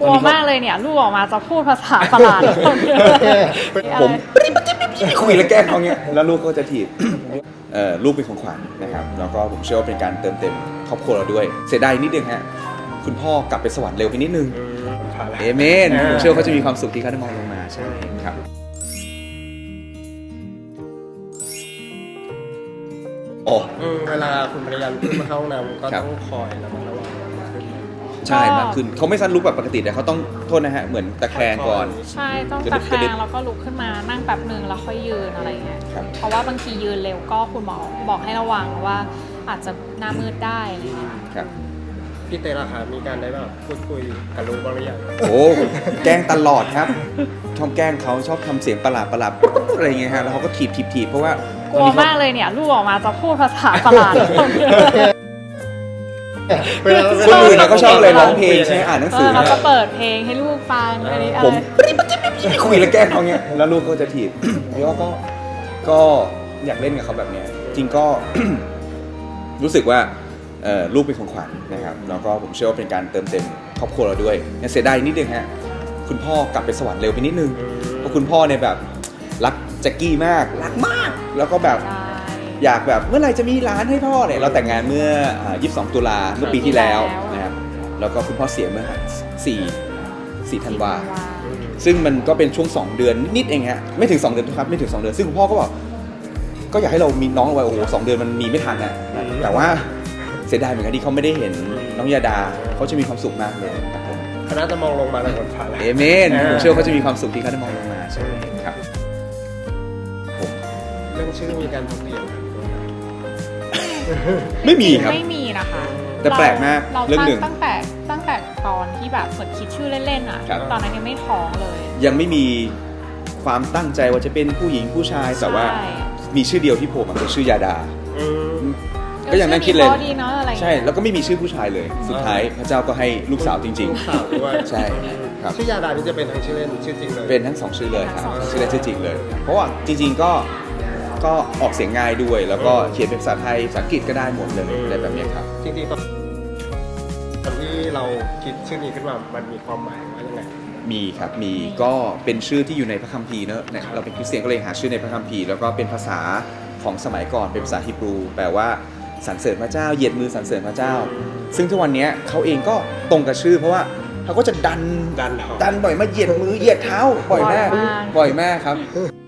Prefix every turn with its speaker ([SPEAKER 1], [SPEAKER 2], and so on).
[SPEAKER 1] กลัวมากเลยเนี่ยลูกออกมาจะพูดภาษาประหลาด
[SPEAKER 2] ผมคุยแล้วแกล้งเขาเงี้ยแล้วลูกก็จะถีบ ลูกเป็นของขวัญนะครับแล้วก็ผมเชื่อว่าเป็นการเติมเต็มครอบครัวเราด้วยเสียดายนิดนึงฮะคุณพ่อกลับไปสวรรค์เร็วไปนิดนึงเอเมนผมเชื่อว่าเขาจะมีความสุขที่เขาได้มองลงมาใช่ครับโอ้
[SPEAKER 3] เวลาคุณภรรยาขึ้นมาเข้าห้องน้ำก็ต้องคอยระมัดระวังขึ้น
[SPEAKER 2] ใช่มากขึ้นเขาไม่สั้นลุกแบบปกติแต่เขาต้องโทษนะฮะเหมือนตะแคงก่อน
[SPEAKER 1] ใช่ต้องตะแคงแล้วก็ลุกขึ้นมานั่งแป๊บหนึ่งแล้วค่อยยืนอะไรเงี้ย
[SPEAKER 2] ครับ
[SPEAKER 1] เพราะว่าบางทียืนเร็วก็คุณหมอบอกให้ระวังว่าอาจจะหน้ามืดได้อะไรเงี้ย
[SPEAKER 2] ครับ
[SPEAKER 3] พี่เต้ล่ะคะมีการได้แบบพูดคุยกับลูกบ้างหรือยัง
[SPEAKER 2] โอ้แกล้งตลอดครับชอบแกล้งเขาชอบทำเสียงประหลาดอะไรอย่างเงี้ยฮะแล้วเขาก็ถีบเพราะว่าก
[SPEAKER 1] ลัวมากเลยเนี่ยลูกออกมาจะพูดภาษาประหลาด
[SPEAKER 2] คนอื่นนะเขาชอบอะไรร้องเพลงใช่ไหมอ่านหนังสือ
[SPEAKER 1] เราจะเปิดเพลงให้ลูกฟังอะไร
[SPEAKER 2] ผมคุยแล้วแกล้งเขาเงี้ยแล้วลูกก็จะถีบพี่ว่าก็อยากเล่นกับเขาแบบเนี้ยจริงก็ รู้สึกว่าลูกเป็นของขวัญนะครับแล้วก็ผมเชื่อว่าเป็นการเติมเต็มครอบครัวเราด้วยเสียดายนิดนึงฮะคุณพ่อกลับไปสวรรค์เร็วไปนิดนึงเพราะคุณพ่อเนี่ยแบบรักแจ็คกี้มากรักมากแล้วก็แบบอยากแบบเมื่อไหร่จะมีร้านให้พ่อเนี่ยเราแต่งงานเมื่อ22 ตุลาเมื่อปีที่แล้วนะครับแล้วก็คุณพ่อเสียเมื่อ4 ธันวาซึ่งมันก็เป็นช่วง2 เดือนนิดเองฮะไม่ถึง2 เดือนครับไม่ถึง2 เดือนซึ่งคุณพ่อก็บอกก็อยากให้เรามีน้องเอาไว้โอ้โห2 เดือนมันมีไม่ทันนะแต่ว่าเสียดายเหมือนกันที่เขาไม่ได้เห็นน้องยาดาเขาจะมีความสุขมากเลยครับผม
[SPEAKER 3] คณะจะมองลงมาในคนฟ้าแล้ว
[SPEAKER 2] เอเมนผมเชื่อว่าเขาจะมีความสุขที่เขาได้มองลงมาใช่ครับ
[SPEAKER 3] เรื่องชื่อมีการเปลี่ยน
[SPEAKER 2] ไม่มีครับ
[SPEAKER 1] ไม่มีนะคะ
[SPEAKER 2] แต่แปลกมาก
[SPEAKER 1] เรา
[SPEAKER 2] เรื่องหนึ่ง
[SPEAKER 1] ตั้งแต่ตอนที่แบบเหมือนคิดชื่อเล่นๆอ่ะ
[SPEAKER 2] ครับ
[SPEAKER 1] ตอนนั้นยังไม่ท้องเลย
[SPEAKER 2] ยังไม่มีความตั้งใจว่าจะเป็นผู้หญิงผู้ชายแต่ว่า
[SPEAKER 1] ใช่
[SPEAKER 2] มีชื่อเดียวที่โผล่มาคือชื่อยาดา ก็ยังนั่งคิด
[SPEAKER 1] ชื่
[SPEAKER 2] เลย
[SPEAKER 1] อดีเนาะอะไร
[SPEAKER 2] ใช่แล้วก็ไม่มีชื่อผู้ชายเลย สุดท้ายพระเจ้าก็ให้ลูกสาวจริง
[SPEAKER 3] ลูกสาวด้วย
[SPEAKER 2] ๆ ใช่ครับ
[SPEAKER 3] ชื่อยาดานี่จะเป็นทั้งชื่อเล่นชื่อจริงเลย
[SPEAKER 2] เป็นทั้ง2 ชื่อเลยครับชื่อเล่นชื่อจริงเลย เพราะว่าจริงๆก็ออกเสียงง่ายด้วย แล้วก็เขียนเป็นภาษาไทยภาษาอังกฤษก็ได้หมดเลยอะไรแบบนี้ครับ
[SPEAKER 3] จริงๆตอนที่เราคิดชื่อนี้ขึ้นมามันมีความหมายว่ายังไง
[SPEAKER 2] มีครับมีก็เป็นชื่อที่อยู่ในพระคัมภีร์เนอะเนี่ยเราเป็นคริสเตียนก็เลยหาชื่อในพระคัมภีร์แล้วก็เป็นภาษาของสมัยก่อนเป็นภาษาฮีบรูแปลว่าสรรเสริญพระเจ้าเหยียดมือสรรเสริญพระเจ้า ซึ่งทุกวันนี้เขาเองก็ตรงกับชื่อ เพราะว่าเขาก็จะดันบ่อยมากเหยียดมือเหยียดเท้าบ่อยมากครับ